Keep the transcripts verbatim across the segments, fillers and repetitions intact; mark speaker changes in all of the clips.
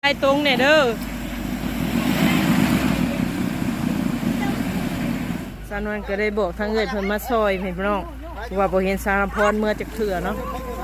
Speaker 1: ให้ตรงเนี่ยเด้อสาวนวลก็ได้บอกทางเอื้อยเพิ่นมาซอยพี่น้องว่าบ่เห็นสารพรเมื่อจักเถื่อเนาะ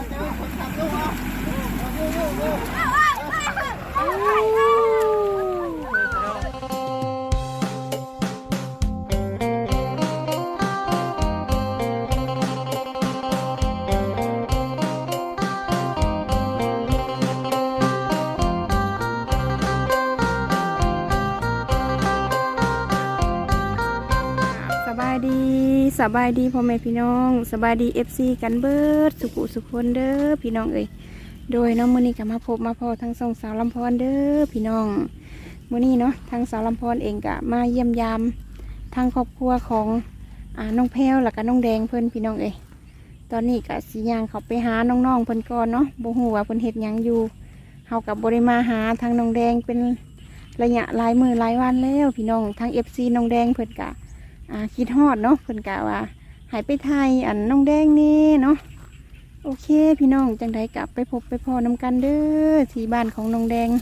Speaker 2: สบายดีสบายดีพ่อแม่พี่น้องสบายดีเอฟซีกันเบิดสุขุสุขคนเด้อพี่น้องเอ้ยโดยน้องมื้อนี้ก็มาพบมาพอทั้งสองสาวลำพรเด้อพี่น้องมื้อนี้เนาะทางสาวลำพรเองก็มาเยี่ยมยามทางครอบครัวของอ่าน้องแพรวแล้วก็น้องแดงเพิ่นพี่น้องเอ้ยตอนนี้ก็สิย่างเขาไปหาน้องๆเพิ่นก่อนเนาะบ่ฮู้ว่าเพิ่นเฮ็ดหยังอยู่เฮาก็บ่ได้มาหาทางน้องแดงเป็นระยะหลายมื้อหลายวันแล้วพี่น้องทาง เอฟ ซี น้องแดงเพิ่นก็อ่าคิดฮอดเนาะเพิ่นกะว่าหายไปไทยอันน้องแดงนี่เนาะโอเคพี่น้องจังไดกลับไปพบไปพอนำกันเด้อที่บ้านของน้องแดง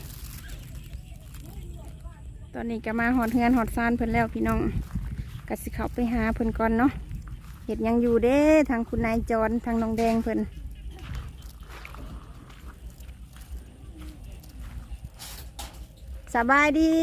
Speaker 2: ตอนนี้ก็มาหอดเฮือนหอดซานเพิ่นแล้วพี่น้องกะสิเข้าไปหาเพิ่นก่อนเนาะเห็ดยังอยู่เด้ทางคุณนายจรทางน้องแดงเพิ่นสบายดี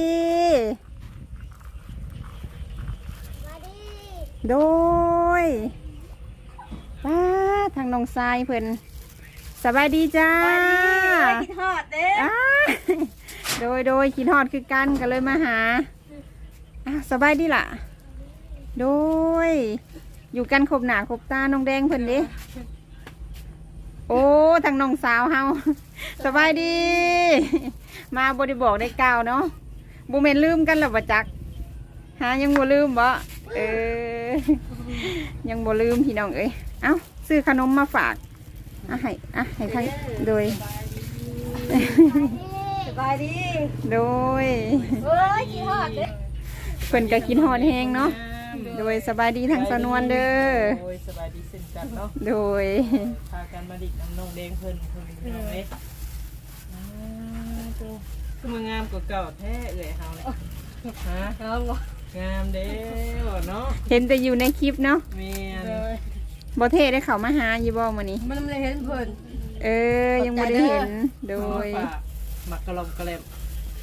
Speaker 2: โดยป้าทางน้องทรายเพิ่นสบายดีจ้าคิดฮอดเด้โดยโดยคิดฮอดคือกันก็เลยมาหาอ่ะสบายดีล่ะโดยอยู่กันครบหน้าครบตาน้องแดงเพิ่นเด้โอ้ทางน้องสาวเฮาสบายดีมาบ่ได้บอกได้กล่าวเนาะบ่แม่นลืมกันหรอบ่จักหายังบ่ลืมบ่เออยังบ่ลืมพี่น้องเอ้ยเอ้าซื้อขนมมาฝากอ่ะให้อ่ะให้ทั้งโดย
Speaker 3: สบายดี
Speaker 2: โดย
Speaker 3: เฮ้ยกินฮอดเด้
Speaker 2: เพิ่นก็กินฮอดแฮงเนาะโดยสบายดีทางสนวนเด้อ
Speaker 1: โดยสบายดีเช่นกันเนาะ
Speaker 2: โดย
Speaker 1: พากันมาดิกน้ำนองแดงเพิ่นเพิ่นพี่น้องเอ้ยอ่าโตคือมางามกว่าเก่าแท้เอ้ยเฮาเนี่ยฮะ
Speaker 3: งามบ่
Speaker 1: งามเด้อเนาะ
Speaker 2: เห็นแต่อยู่ในคลิปเนาะ
Speaker 1: แม่น
Speaker 2: บ่เท่ได้เข้ามาหาอยู่บ่มื้อนี้
Speaker 3: มันไม่ได้เห็นเพิ่น
Speaker 2: เออยังบ่ได้เห็นโดย
Speaker 1: มักกะลอมกะแลม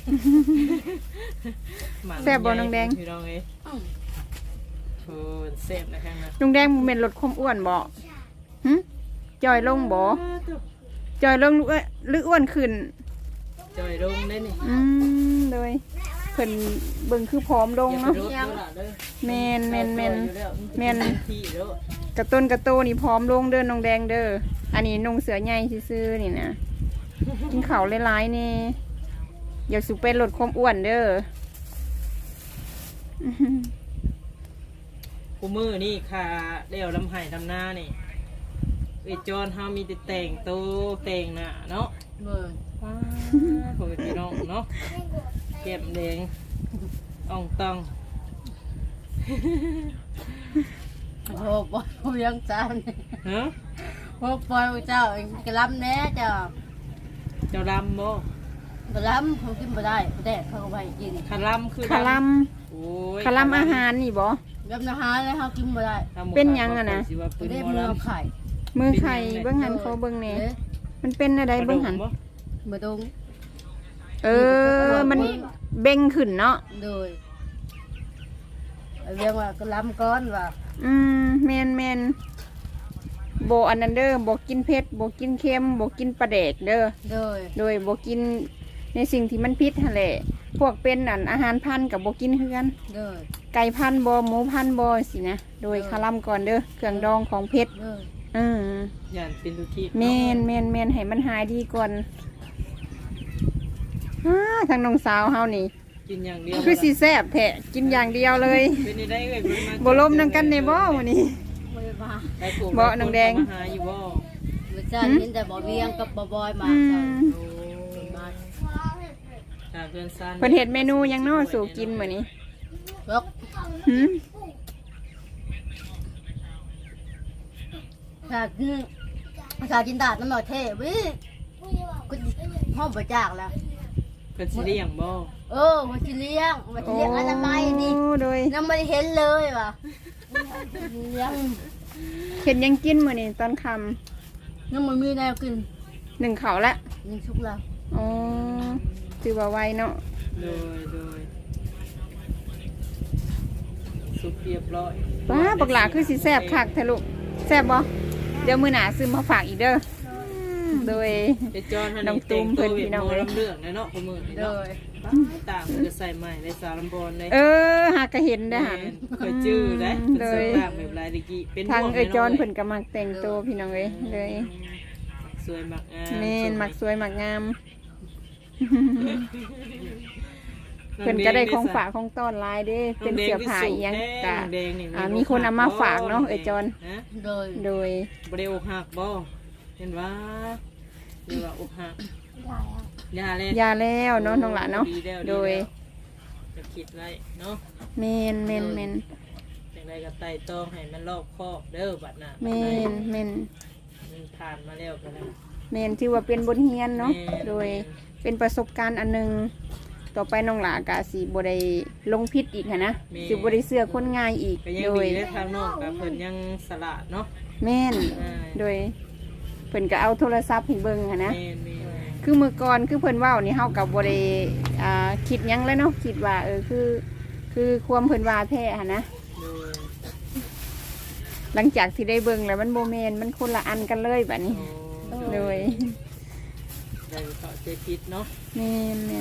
Speaker 2: แซ่บบ่น้องแดง
Speaker 1: พี่น้องเอ้ยโอ้แซ่บนะข้างนั้น
Speaker 2: น้องแดงบ่แม่นลดความอ้วนบ่หึจอยลงบ่จอยลงหรืออ้วนขึ้น
Speaker 1: จอยลงได้นี่
Speaker 2: อืมโดยเพิ่นเบิ่งคือผอมลงเนาะแม่นแม่นแม่นแม่นกระต้นกระโตนี่ผอมลงเด้อน้องแดงเด้ออันนี้นุ่งเสื้อใหญ่ซื่อๆนี่นะกินข้าวหลายๆนี่อยากสิเป็นลดความอ้วนเด้อ
Speaker 1: กูมือนี่ค่ะเดี่ยวลำไห้ทำหน้านี่ไอจอนเฮามีแต่แต่งโตแต่งหน้าเนาะ
Speaker 3: เบิ่ง
Speaker 1: ว้าโหพี่น้องเนาะเก็บแดงอ่องตอง
Speaker 3: โอ้ปล่อยผู้ยังจาน
Speaker 1: ฮะ
Speaker 3: โอ้ปล่อยเจ้าเองกระลำแน่เจ้า
Speaker 1: เจ้าลำบ่
Speaker 3: กระลำเขากินบ่ได้บ่ได้เขาก็ไปกิน
Speaker 1: คาลำคือ
Speaker 2: คาลำ
Speaker 1: โอ้ย
Speaker 2: คาลำอาหารนี่บ่
Speaker 3: ยำอาหารแล้วเขากินบ่ได้
Speaker 2: เป็นยังอ่ะนะ
Speaker 3: ได้มือไข่
Speaker 2: มือไข่เบิ่งหันเขาเบิ่งแหน่มันเป็นอะไรเบิ่งหัน
Speaker 3: บ่ตรง
Speaker 2: เออมันเบ่งขึ้นเนาะ
Speaker 3: โดยเรียกว่ากระลำก้อนว่า
Speaker 2: อืมแมนแมนโบอันนั้นเด้อโบกินเผ็ดโบกินเค็มโบกินปลาแดกเด้อ
Speaker 3: โดย
Speaker 2: โดยโบกินในสิ่งที่มันพิษหั่นแหละพวกเป็นอันอาหารพันกับโบกินเฮือน
Speaker 3: โดย
Speaker 2: ไก่พันโบหมูพันโบสินะโดยคาลัมก่อนเด้อเครื่องดองของเผ็ดอืม
Speaker 1: ย่านเป็นทุกที่
Speaker 2: แมนแมนแมนให้มันหายดีก่อนทางน้องสาวเฮานี่
Speaker 1: กินอย่างเดียว
Speaker 2: คือสีแซ่บแท้กินอย่างเดียวเลยบ่ล้มนั่งกันในบ่มื้อนี้บ่น้องแดง
Speaker 1: หาอยู่บ่
Speaker 3: บ่จ้าเห็นแต่บ่เวียงกับบ่บอยมาจ้ะมา
Speaker 1: ถ้าเพิ่นซั่น
Speaker 2: เพิ่นเฮ็ดเมนูหยังน้อสู่กินมื้อนี้
Speaker 3: ยก
Speaker 2: หึ
Speaker 3: ถ้ากินถ้ากินดาดน้ำหน่อยเท่วิกูห้องบ่จากแล้ว
Speaker 1: เป็นสิเลี้ยงบ่
Speaker 3: เออมาสิเลี้ยงมาสิเลี้ยงอนามัยนี่
Speaker 2: โอ้โดย
Speaker 3: ยังไม่ได้เห็นเลยว่ะเลี้ยง
Speaker 2: เห็นยังกินมื้อนี้ตอนค่
Speaker 3: ยังไม่มีแนวกิน
Speaker 2: ำหนึ่งเขาวละ
Speaker 3: ยังชุกแล้ว
Speaker 2: อ๋อถือว่าไวเนาะ
Speaker 1: โดยโดยสุกเรียบร้อย
Speaker 2: ว้าบักหลาคือสิแซ่บคักแท้ลูกแซ่บบ่เดี๋ยวมื้อหน้าซื้อมาฝากอีกเด้อโดย
Speaker 1: ไอ้จอนท่าน
Speaker 2: น้องตุ้มเพิ่นพี่น้อง
Speaker 1: เอ้
Speaker 2: เอ้ย
Speaker 1: ลำเรื่องเลยเนาะพ่อมือนี่
Speaker 3: เล
Speaker 1: เนาะ
Speaker 3: ย
Speaker 1: ตามจะใส่ใหม่ในสาวลำบอนเลย
Speaker 2: เออหากก็เห็นได้อหัน
Speaker 1: เคยจื้อได้
Speaker 2: เล
Speaker 1: เป็น
Speaker 2: ย
Speaker 1: เสื้อผ้าแบบลายตะกี้เป็น
Speaker 2: ทาง
Speaker 1: บ่ว
Speaker 2: เอ้ยจอน
Speaker 1: แม่
Speaker 2: เพิ่นก็มักแต่งตัวพี่น้องเอ้ยเลย
Speaker 1: สวยมากงาม
Speaker 2: แม่นมักสวยมักงาม เพิ่นก็ได้ของฝากของต้อนหลายเด้เป็นเสื้อผ้าอีหยังก็
Speaker 1: น้องแดงนี่
Speaker 2: อ่ามีคนเอามาฝากเนาะเอ้ยจอน
Speaker 1: ฮะ
Speaker 3: เลย
Speaker 2: โดย
Speaker 1: บ่ได้อกหักบ่เห็นว่าหรือว่าอกหักยาเลย
Speaker 2: ยาแล้วเนาะน้องหลานเนาะ
Speaker 1: ดีแล้ว
Speaker 2: โดย
Speaker 1: จะคิดไว้เนาะ
Speaker 2: แม่นแม่นแม่น
Speaker 1: จังไดก็ไต่ตองให้มันรอบคอบเด้อบัดน่ะ
Speaker 2: แม่นแม่น
Speaker 1: มันผ่านมาแล้วก็ได้
Speaker 2: แม่นถือว่าเป็นบทเรียนเนาะ
Speaker 1: แม่น
Speaker 2: โดยเป็นประสบการณ์อันหนึงต่อไปน้องหลากะสิบ่ได้ลงพิษอีกหั้นนะสิบ่ได้เสื้อคนง่ายอีก
Speaker 1: ก็ยัง
Speaker 2: โดย
Speaker 1: ดีได้ทางนอกกับเพิ่นยังสละเนาะ
Speaker 2: แม่น
Speaker 1: อ่า
Speaker 2: โดยเพิ่นก็เอาโทรศัพท์ให้เบิ่งหั้นนะ
Speaker 1: แม่นแม่น
Speaker 2: คือมื้อก่อนคือเพิ่นเว้านี่เฮาก็บ่ได้อ่าคิดหยังแล้วเนาะคิดว่าเออคือ คือความเพิ่นว่าแท้หั้นนะ
Speaker 1: โดย
Speaker 2: หลังจากที่ได้เบิ่งแล้วมันบ่แม่นมันคนละอันกันเลยบัดนี้
Speaker 1: โอ้
Speaker 2: โดย
Speaker 1: ได้เข้าใจผิดเนาะ
Speaker 2: แม่นแม่น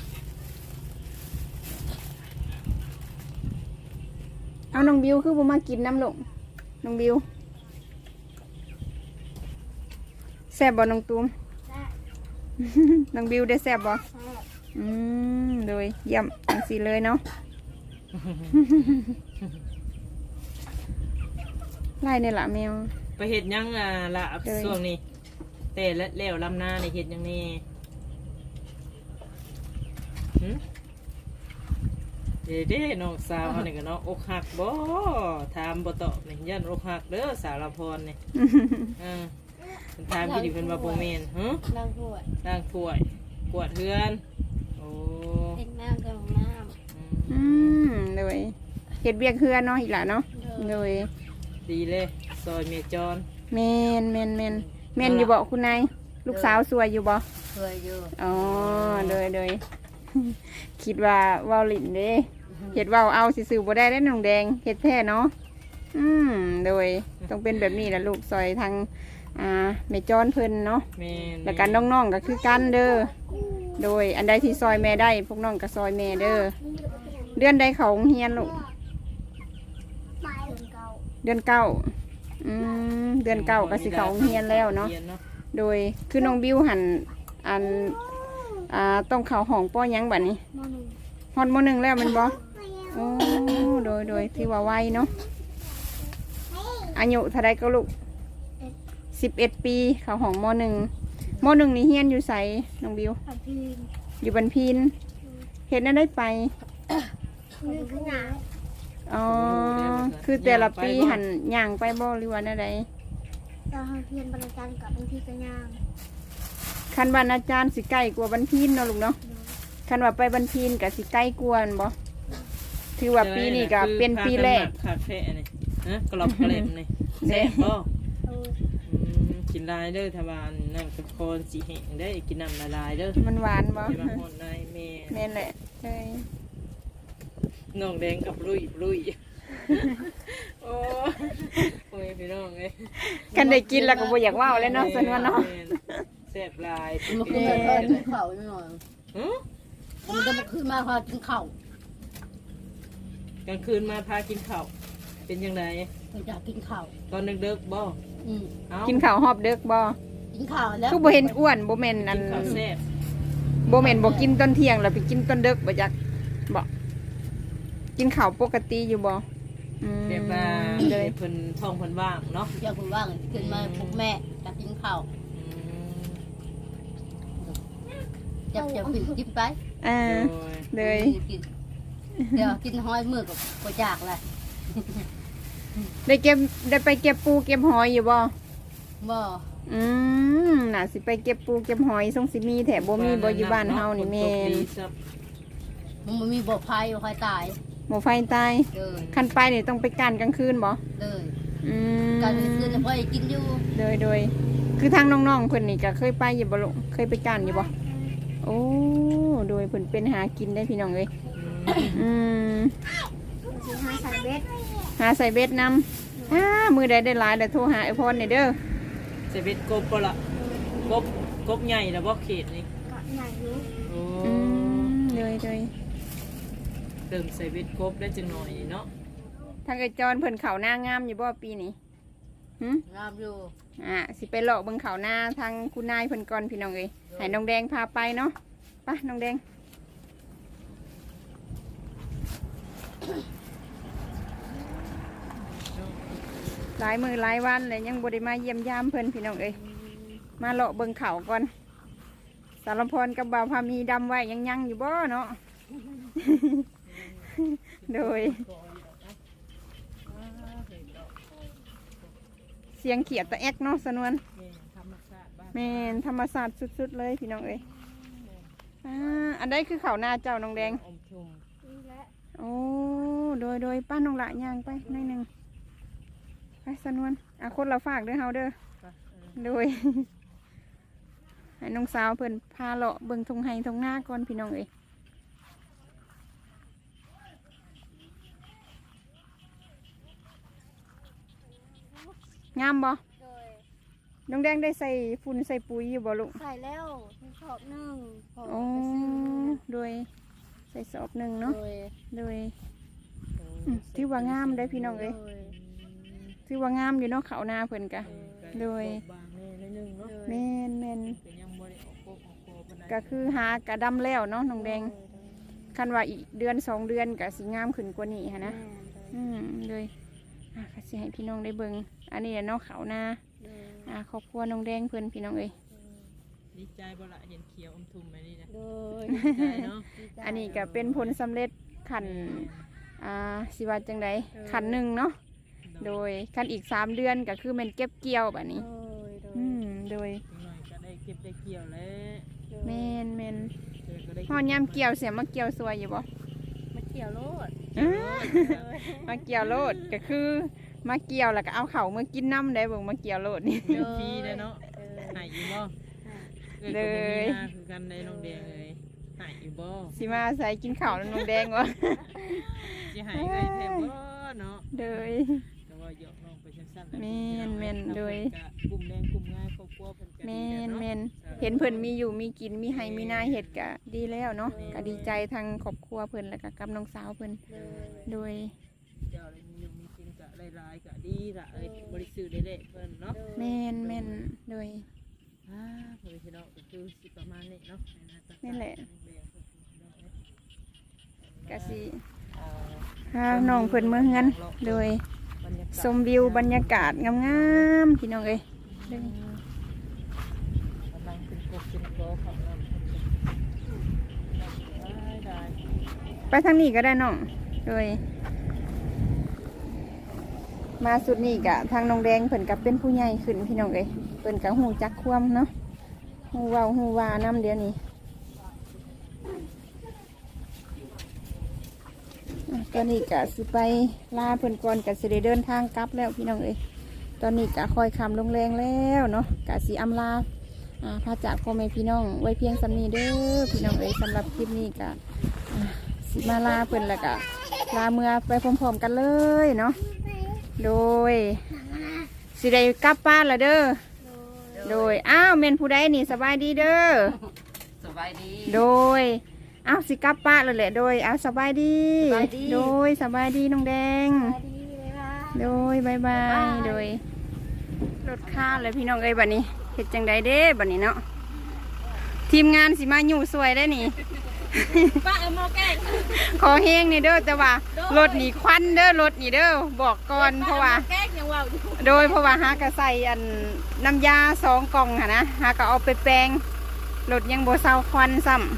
Speaker 2: เอาน้องบิวคือบ่มากินน้ำลงน้องบิวแซ่บบ่น้องตูม น้องบิวได้แซ่บบ่อืมโดยเยี่ยมจังซี่เลยเนาะ ไล่นี่ล่ะแมว
Speaker 1: ไปเฮ็ดหยังอ่ะล่ะ
Speaker 2: โดย
Speaker 1: ช่วงนี้แต่ละแล้วลำนานี่เฮ็ดหยังนี่หึเด้เด้น้องสาวเขานี่ก็เนาะอกหักบ่ถามบ่ตอบนี่ยันอกหักเด้อสาวละพรนี่ อ่าเพิ่นถามพี่ดิเพิ่นว่าบ่แม่นหึ
Speaker 3: นั่งถ้วย
Speaker 1: ล้างถ้วย กวาดเฮือน โอ้
Speaker 3: เล็กน้ำกับน้
Speaker 1: อืม
Speaker 2: อืมโดยเฮ็ดเวียกเฮือนเนาะอีหล่ะเนาะ
Speaker 3: ำ
Speaker 2: โดย
Speaker 1: ดีเลยซอยเมียจอน
Speaker 2: แม่นแม่นแม่นแม่นอยู่บ่คุณนายลูกสาวสวยอยู่บ่
Speaker 3: เคยอยู่
Speaker 2: อ๋อโดยโดย คิดว่าเว้าลิ้นเด้เฮ็ดเว้าเอาซื่อๆบ่ได้เด้น้องแดงเฮ็ดแท้เนาะอืมโดยต้องเป็นแบบนี้แหละลูกซอยทางอ่าแม่จอนเพิ่นเนาะ
Speaker 1: แม่น
Speaker 2: แล้วกันน้องๆก็คือกันเด้อโดยอันใดที่ซอยแม่ได้พวกน้องก็ซอยแม่เด้อเดือนใดเขาโรงเรียนลูกเดือนเก้าอืมเดือนเก้าก็สิเขาโรงเรียนแล้วเนาะ
Speaker 1: รีย
Speaker 2: โดยคือน้องบิวหันอันอ่าต้องเข้าห้องป้อหยังบัดนี้ฮอดมหนึ่งแล้วแมันบ่โอ้โดยโดยที่ว่าไวเนาะอายุเท่าไรก็ลูกสิบเอ็ดปีเข้าห้องมหนึ่งมหนึ่งนี่เฮียนอยู่ไสน้องบิวอยู่บันพีนเห็นนั่นได้ไปอ๋อคือแต่ละปีหันย่างไปบ่หรือว่าอะไร
Speaker 4: เราเพียนบรรจันกับบางทีก็ย่าง
Speaker 2: คันวันอาจารย์สิใกล้กว่าบันพีนเนาะลูกเนาะคันว่าไปบันพีนกับสิใกล้กวนบ่ถือว่าปีนี้ก็เป็นปีแรก
Speaker 1: คาเฟ่นี่ฮะกรอบกระเล่มนี่แซ่บบ่
Speaker 4: เออ
Speaker 1: อืมกินลายเด้อทวารนั่นเป็นคนสีแห้งได้กินน้ำละลายเด้อ
Speaker 2: มันหวานบ่
Speaker 1: อย่ามาหอนนายแม่
Speaker 2: แม่นแหละใช่
Speaker 1: น้องแดงกับลุยลุยโอ้โอ้ยพี่น้องเอ้ย
Speaker 2: กันได้กินแล้วก็บ่อยากเว้าเลยเนาะซั่นว่าเนาะ
Speaker 1: แซ่บลาย
Speaker 3: มันขึ้นมาพอกินข้าวนิดหน่อย
Speaker 1: หึ
Speaker 3: มันจะมาขึ้นมาพอกินข้าว
Speaker 1: กลางคืนมาพากินข้าวเป็นยังไง
Speaker 3: เราอยากกินข้าว
Speaker 1: ตอนดึกๆบ่
Speaker 3: อืม
Speaker 1: เอ้า
Speaker 2: กินข้าวหอบเด็กบ่
Speaker 3: กินข้าวแล้ว
Speaker 2: คือบ่เห็นอ้วนบ่แม่นอั
Speaker 1: กิ
Speaker 2: น
Speaker 1: นข้าวแซ่บ
Speaker 2: บ่แม่นบ่กินตอนเที่ยงแล้วไปกินตอนดึกบ่จักบ่กินข้าวปกติอยู่บ่อืม
Speaker 1: แบบว่า
Speaker 2: เลย
Speaker 1: เพิ่นท้องเพิ่นว่างเนาะ
Speaker 3: อยากคุณว่างขึ้นมาพวกแม่อยากกินข้าว
Speaker 1: อืม
Speaker 3: จะจะปิดจิ้มไป
Speaker 2: อ่า
Speaker 1: โอ้ย
Speaker 2: เลย
Speaker 3: กินเดี๋ยวกินห้อยมือกับกระจากเลย
Speaker 2: ได้เก็บได้ไปเก็บปูเก็บหอยอยู่บ่
Speaker 3: บ่
Speaker 2: อืมน่าสิไปเก็บปูเก็บหอยส่งสิมีแถบบ่มีบ่อยู่บ้านเฮานี่แม่น
Speaker 3: มันบ่มีบ่อภัยบ่ใครตาย
Speaker 2: หมอไฟตาย
Speaker 3: เลย
Speaker 2: คันไปนี่ต้องไปกันกลางคืนบ่
Speaker 3: เลย
Speaker 2: อืม
Speaker 3: การไปซื้อจะพ่อกินอยู่
Speaker 2: โดยโดยคือทางน้องๆเพิ่นนี่ก็เคยไปอยู่บ่ลูกเคยไปกันอยู่บ่โอ้โดยเพิ่นเป็นหากินได้พี่น้องเอ้ยอืม
Speaker 4: สีห้าใส่เบ็ด
Speaker 2: หาใส่เบ็ดนำอ้ามือใดได้หลายแล้วโทรหาไอ้พรนี่เด้อ
Speaker 1: ใส่เบ็ดกบบ่ล่ะกบกบใหญ่แล้วบ่เขตนี่
Speaker 4: ก็ใหญ่อยู่
Speaker 1: โอ้
Speaker 2: อืมโดยโดย
Speaker 1: เติมใส่เบ็ดกบได้จังหน่อยเนาะ
Speaker 2: ทางไอ้จอนเพิ่นเขาหน้างามอยู่บ่ปีนี้หึ
Speaker 3: งามอยู่
Speaker 2: อ่าสิไปเลาะเบิ่งเขาหน้าทางคุณนายเพิ่นก่อนพี่น้องเอ้ยให้น้องแดงพาไปเนาะไปน้องแดงหลายมือหลายวันเลยยังบ่ได้มาเยี่ยมยามเพิ่นพี่น้องเอ้ยมาเลาะเบิ่งเขาก่อนสารพรกับบ่าวพามีดำไว้ยังยังอยู่บ่เนาะ โดยเสียงเขียดตะแอกเนาะสนวน
Speaker 1: นี่ธรรมชาติบ้าน
Speaker 2: แม่นธรรมศาสตร์สุดๆเลยพี่น้องเอ้ยอ่าอันใดคือเขาหน้าเจ้าน้องแดง
Speaker 1: อมชุม
Speaker 4: นี่แหละ
Speaker 2: โอ้โดยโดยป้าน้องละย่างไปหน่อยหนึ่งไปสนวนอ่ะคนเราฝากเด้อเฮาเด้อ
Speaker 1: ไปเออ
Speaker 2: โดย ให้น้องสาวเพิ่นพาเลาะเบิ่งทงไห้ทงหน้าก่อนพี่น้องเอ้ยงามบ่
Speaker 4: โดย
Speaker 2: น้องแดงได้ใส่ฝุ่นใส่ปุ๋ยอยู่บ่ลูก
Speaker 4: ใส่แล้วที่ชอบหนึ่งพอ
Speaker 2: โอ้
Speaker 4: ไปซื้อ
Speaker 2: โดยใส่สอบหนึ่ง
Speaker 3: โด
Speaker 2: เนาะ
Speaker 3: ย
Speaker 2: โดยอืมถือว่างามได้อพี่น้องเอ้ย
Speaker 3: โดย
Speaker 2: ถือว่างามอยู่เนาะเขาหน้าเพิ่นกะ โดย
Speaker 1: บางแน่นิดนึงเนาะ
Speaker 2: แม่นแม่น
Speaker 1: เป็นยังบ่ได้ออกโกกออกโกปานใด
Speaker 2: ก็คือหากระดำแล้วเนาะน้องแดงคันว่าอีกเดือนสองเดือนก็สิงามขึ้นกว่านี้ฮะนะอืมเลยอ่ะก็สิให้พี่น้องได้เบิ่งอันนี้แหละเนาะเขาหน้าอ่าครอบครัวน้องแดงเพิ่นพี่น้องเอ้ย
Speaker 1: ดีใจบ่ล่ะเห็นเขียวอมทุมแบบนี้นะ
Speaker 3: โดย
Speaker 1: ดีใจเนาะ
Speaker 2: อันนี้ก็เป็นผลสำเร็จขันอ่าสิว่าจังไดขันหนึ่งเนาะโดยขันอีกสามเดือนก็คือแมันเก็บเกี่ยวแบบนี้
Speaker 3: โดยโดย
Speaker 2: อืมโดย
Speaker 1: อีกหน่อยก็ได้เก็บได้เกี่ยวแล้ว
Speaker 2: แมนแมน
Speaker 1: เจอก็ได้
Speaker 2: หอนยามเกี่ยวเสียมาเกี่ยวสวยอยู่บ่
Speaker 3: มาเกี่ยวโลด
Speaker 2: อื้อมาเกี่ยวโลดก็คือมาเกี่ยวแล้วก็เอาเข่าวมากินน้ำได้เบิ่งมาเกี่ยวโลดนี่
Speaker 1: เงินฟรีเลยเนาะหายอยู่บ่เอ้ยก็บ่มีหน้าคือกันได้น้องแดงเลยหายอยู่บ่
Speaker 2: สิมาใส่กินข้าวน้องแดงวะ
Speaker 1: สิหายไงแท้บ่เนาะ
Speaker 2: โดย
Speaker 1: แต่ว่าหยอกน้องไปสั้นๆ
Speaker 2: แม่นแม่นโดย
Speaker 1: กลุ่มแรงกลุ่มง่ายครอบครัวเพิ่นก็
Speaker 2: แม
Speaker 1: ดี
Speaker 2: น
Speaker 1: เนาะ
Speaker 2: แมนเห็นเพิ่นมีอยู่มีกินมีให้มีนาเห็ดก็ดีแล้วเนาะก็ดีใจทางครอบครัวเพิ่นแล้วก็กับน้องสาวเพิ่นโดย
Speaker 1: เจ้าได้มีอยู่มีกินก็หลายๆก็ดีละเอ้ยบริสุทธิ์ได้เด้เพิ่นเนาะ
Speaker 2: แมนแมนโดย
Speaker 1: อ่าเพิ่นพี่น้องก็คือสิประมาณนี้เนาะ
Speaker 2: นี่แหละ กะสิ
Speaker 1: อ่า
Speaker 2: พาน้องเพิ่นเมื่อเฮือนโดย
Speaker 1: บรรยากาศ
Speaker 2: ชมวิวบรรยากาศงามๆพี่น้องเอ้ยโดย
Speaker 1: กำลังเป็นกบเป็นกอของน้ำได้ได้
Speaker 2: ไปทางนี้ก็ได้น้องโดย มาสุดนี้กะทางน้องแดงเพิ่นกับเป็นผู้ใหญ่ขึ้นพี่น้องเอ้ยเพิ่นกับหูจักความเนาะหูเว้าหูวาน้ำเดี๋ยวนี้อ่ะตอนนี้กะสิไปลาเพิ่นก่อนกะสิได้เดินทางกลับแล้วพี่น้องเอ้ยตอนนี้กะคอยคำลงแรงแล้วเนาะกะสิอำลาอ่าพาจากพ่อแม่พี่น้องไว้เพียงสำนีเด้อพี่น้องเอ้ยสำหรับคลิปนี้กะอ่าสิมาลาเพิ่นแล้วกะลาเมื่อไปพร้อมๆกันเลยเนาะโดยสิได้กลับบ้านละเด้อโดยอ้าวเมนผู้ใดนี่สบายดีเด้อ
Speaker 3: สบายดี
Speaker 2: โดยอ้าวสิกลับป้านเลยแหละโดยอ้าวสบายดี
Speaker 3: สบายดี
Speaker 2: โดยสบายดีน้องแดง
Speaker 4: สวัสดีเลยว่า
Speaker 2: โดยบายบายโดยรถข้าเลยพี่น้องเอ้ยบัดนี้เห็ดจังใดเด้บัดนี้เนาะทีมงานสิมาอยู่สวยได้นี่
Speaker 3: ป้าเอาหม้อแกง
Speaker 2: ขอเฮงนี่เด้อแต่ว่ารถนี่ควันเด้อรถนี่เด้อบอกก่อนเพราะว่า
Speaker 3: แกงยังว่าอยู่
Speaker 2: โดยเพราะว่าหากระใส่อันน้ำยาสองกล่องค่ะนะหากระเอาไปแปลงรถยังโบเซาควันซ้ำ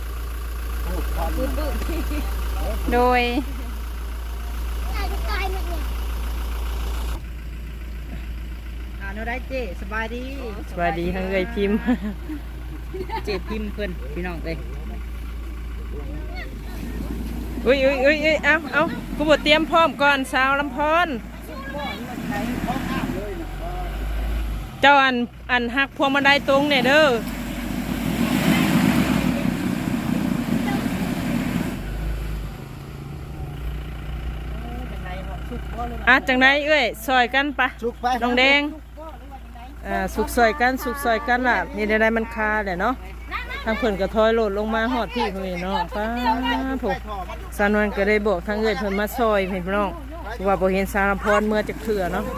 Speaker 2: โดย
Speaker 4: ตายจะตายหมดเนี่ย
Speaker 1: อ่า
Speaker 5: โนได้เจ๊สบายดี
Speaker 1: สวัสดีทั้งเอ้ยพิมพ์
Speaker 5: เจ๊พิมพ์เพิ่นพี่น้องเอ้ย
Speaker 1: อุ้ยอุ้ยอุ้ยอุ้ยเอาเอากูบอกเตรียมพร้อมก่อนสาวลำพอนเจ้าอันอันหักพวงมาลัยตรงเนี่ยเด้ออ่ะจังไหนเอ้ยซอยกันปะน้องแดงอ่าสุกซอยกันสุกซอยกันล่ะนี่ได้มันคาแหละเนาะทางเพิ่นก็ถอยโหลดลงมาหอดพี่พี่น้องป้าผมสานวนก็ได้บอกทางเอ้ยเพิ่นมาซอยพี่น้องว่าบ่เห็นสารพรเมื่อจะเถื่อเนาะ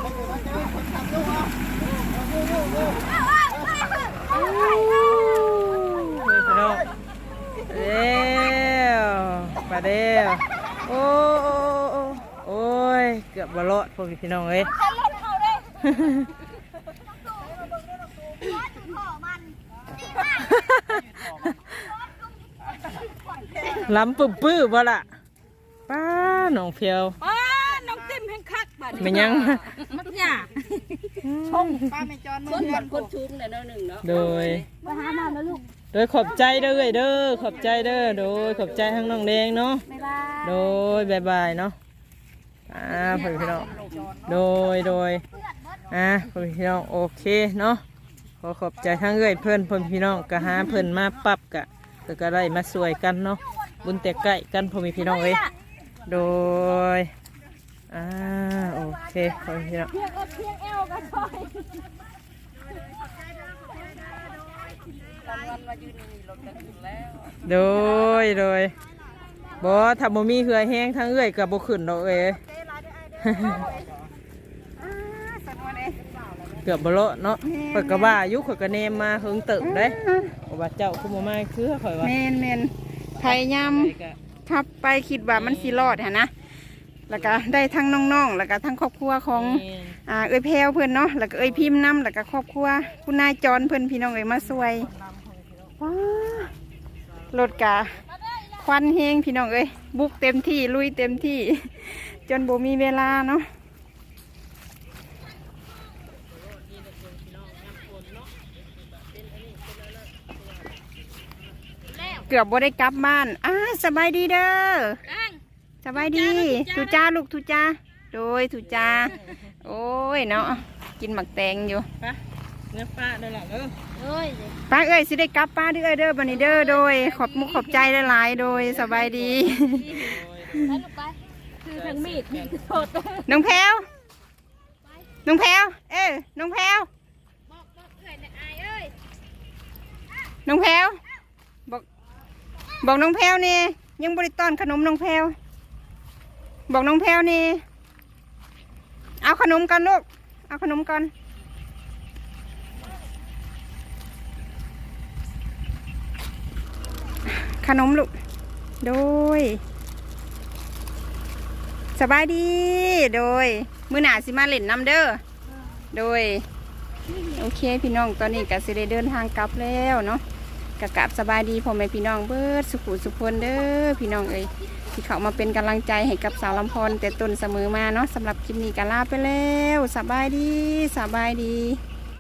Speaker 1: พี่น้องเร็วไปเร็วโอ้โอ้โอ้ยเกือบบะเลาะพวกพี่น้องเอ้ยล้ำปื้อปื้อบ่ล่ะป้าน้องเพียว
Speaker 3: ป้าน้องติ้มแห่งคักบัด
Speaker 1: ไม่ยัง
Speaker 3: มักหญ้า
Speaker 5: ชมป้าแม่จอน
Speaker 3: คนบัดคนชุมเนี่ยเนาะหนึ่งเนาะ
Speaker 1: โดย
Speaker 4: ไปหาหมอแล้วลูก
Speaker 1: โดยขอบใจเด้อเอ้ยเด้อขอบใจเด้อโดยขอบใจทั้งน้องแดงเนาะ
Speaker 4: บ๊ายบาย
Speaker 1: โดยบายบายเนาะอ่าพ่อพี่น้องโดยโดยอ่าพ่อพี่น้องโอเคเนาะขอขอบใจทั้งเอ้ยเพื่อนพ่อพี่น้องก็หาเพื่อนมาปรับกะก็ก็ได้มาสวยกันเนาะบุญแต่ใกล้กันพ่อพี่น้องเอ้ยโดยอ่าโอเคพ่อพี่น้องโดยโดยบ่ถ้าบ่มีเหือแห้งทั้งเอ้ยกับบ่ขึ้นดอกเอ้ย เกือบบเลาะเนาะข่อยก็ว่าอายุข่อยก็เนมมาเฮิงเติบได้เพราะว่าเจ้าคุมามาคือข่อยว่า
Speaker 2: แมนแมนพยายามขับไปคิดว่ามันสิรอดฮะนะแล้วก็ได้ทั้งน้องๆแล้วก็ทั้งครอบครัวของอ่าเอ้ยแพรวเพื่อนเนาะแล้วก็เอ้ยพิมพ์น้ำแล้วก็ครอบครัวคุณนายจรเพื่อนพี่น้องเอ้ยมาช่วยว้ารถกะควันเฮงพี่น้องเอ้ยบุกเต็มที่ลุยเต็มที่ จนบ่มีเวลาเนาะเกือบบ่ได้กลับบ้านอ่าสบายดีเด้อสบายดีทุจ้าลูกทุจ้าโดยทุจ้าโอ้ยเนาะกินหมักแตงอยู่
Speaker 1: ปะเนื้อปลาเด้อล่ะเด้อ
Speaker 3: เอ้ย
Speaker 2: ป้าเอ้ยสิได้กลับป้าเด้อเด้อบันนี้เด้อโดยขอบมุกขอบใจหลายๆโดยสบายดี
Speaker 3: ไปลูกไปคือทางมีดมีดโทษ
Speaker 2: น้องแพรวน้องแพรวเอ้ยน้องแพรว
Speaker 3: บอกบอกเอ้ยนะอายเอ้ย
Speaker 2: น้องแพรวบอกบอกน้องแพรวนี่ยังบริต้อนขนมน้องแพรวบอกน้องแพรวนี่เอาขนมกันลูกเอาขนมกันขนมลูกโดยสบายดีโดยมื้อหน้าสิมาเล่นน้ำเด้อโดยโอเคพี่น้องตอนนี้ก็สิได้เดินทางกลับแล้วเนาะกะกลับสบายดีพ่อแม่พี่น้องเบิดสุขุสุขคนเด้อพี่น้องเอ้ยที่เขามาเป็นกำลังใจให้กับสาวลำพรแต่ต้นเสมอมาเนาะสำหรับคลิปนี้ก็ลาไปแล้วสบายดีสบายดี